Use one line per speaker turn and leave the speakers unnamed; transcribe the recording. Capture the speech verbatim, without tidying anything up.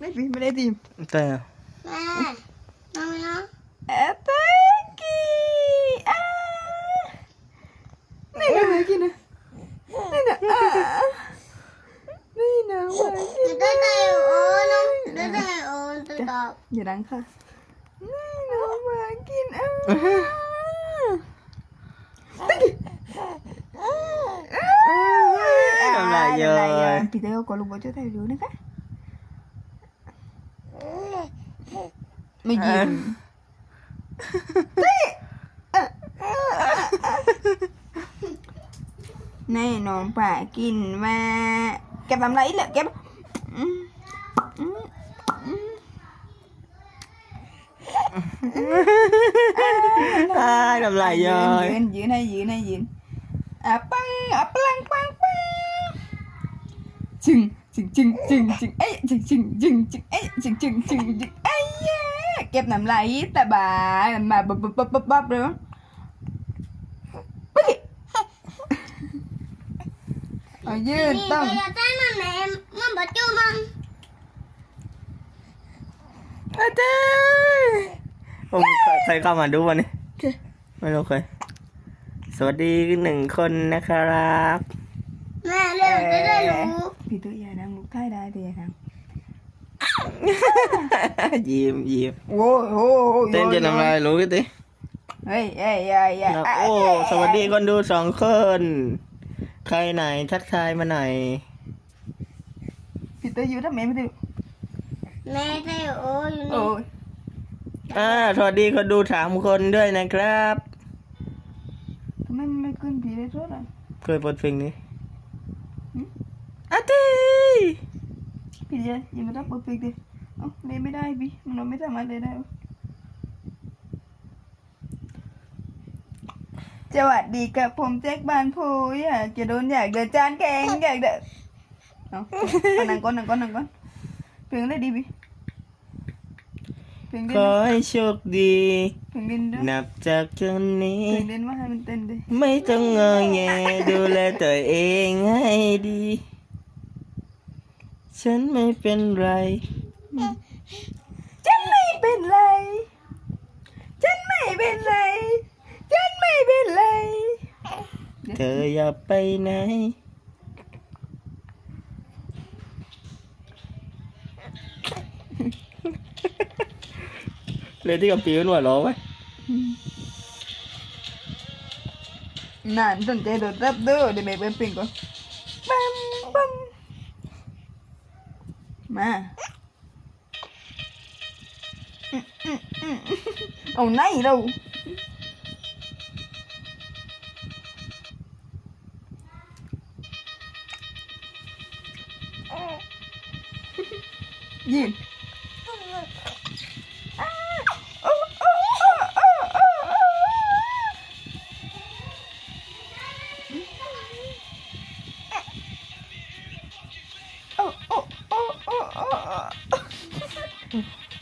พี่ไม่ได้ทีม
แต่
แม่น้องน้อง
แอปเปิ้ลกี้อ่านี่นะมากินนะนี่นะอ่านี่นะมากิน
ได้ได้โอ้น้องได้ได้โอ้ตัวตอบ
อย่าดังค่ะนี่นะมากินอ่า
ทำไรเยอะ
พี่เต้ก็รู้ว่าจะได้รู้นะคะไม่ยินแน่นอนป่ากินมาเก็บทำไรเหรอเก็บ
ทำไรเยอะ
ยืนยืนให้ยืนให้ยืนอ่ะปังอ่ะปังปังปังจึงจึงจึงจึงจึงเอ้ยจึงจึงจึงจึงเอ้ยจึงจึงจึงจึงเอ้ยเก็บน้ำไหลแต่บ่ายมาบ๊บบ๊บบ๊บบ๊บบ๊บเลยเอายืนต้อง
นี่จะได้มันแม่มันบดจูมัน
อาจารย์ผมใครเข้ามาดูวันนี้ไม่รู้ใครสวัสดีหนึ่งคนนะครับ
แม่เร็วจะได้รู้
พี่ตัวใหญ่นะลูกท้ายได้ตัวใหญ่นะ
ยิ้มยิ้ม
โอ้โห
เต้นจะทำอะไรรู้กันดิ
เฮ้ยเฮ้ยเฮ้ยเฮ้ย
โอ้สวัสดีคนดูสองคน ใครไหนทักทายมาหน่อย
พี่ตัวอยู่ทำไมไม่ได้
แม่ได้โอ้อยู่
โอ้
นี่
ย
อ่าสวัสดีคนดูสามคนด้วยนะครับ
ทำไมมันไม่ขึ้นพี่ได้ทุกอ่ะ
เคยเปิดเพลงนี้อาทิ
พี่เจ๊ยังไม่ต้องเปิดเพลงดิเอ้าเล่นไม่ได้พี่มันไม่สามารถเล่นได้สวัสดีกับผมแจ็คบานพูอยากจะโดนอยากเดินจานแกงอยากเดินเอานั่งก่อนนั่งก่อนนั่งก่อนเพลงอะไรดีพี่เพลงเด่
ข
น
อให้โชคดี
เพลงเด่นด้วย
นับจากจนนี้
เพลงเด่นว่าให้มันเต้นดิ
ไม่ต้องงอแงดูแลตัวเองให้ดี ฉันไม่เป็นไร
ฉันไม่เป็นไรฉันไม่เป็นไรฉันไม่เป็นไร
เธออย่าไปไหนเลยที่กับปีนหัวล้อไว้
นานสนใจโดดรับด้วยเดี๋ยวแม่เปิ้ลปิงก่อนปั๊มปั๊มมาอืมอืมอืมเอาไหนเรายืนโอ้โอ้โอ้โอ้โอ้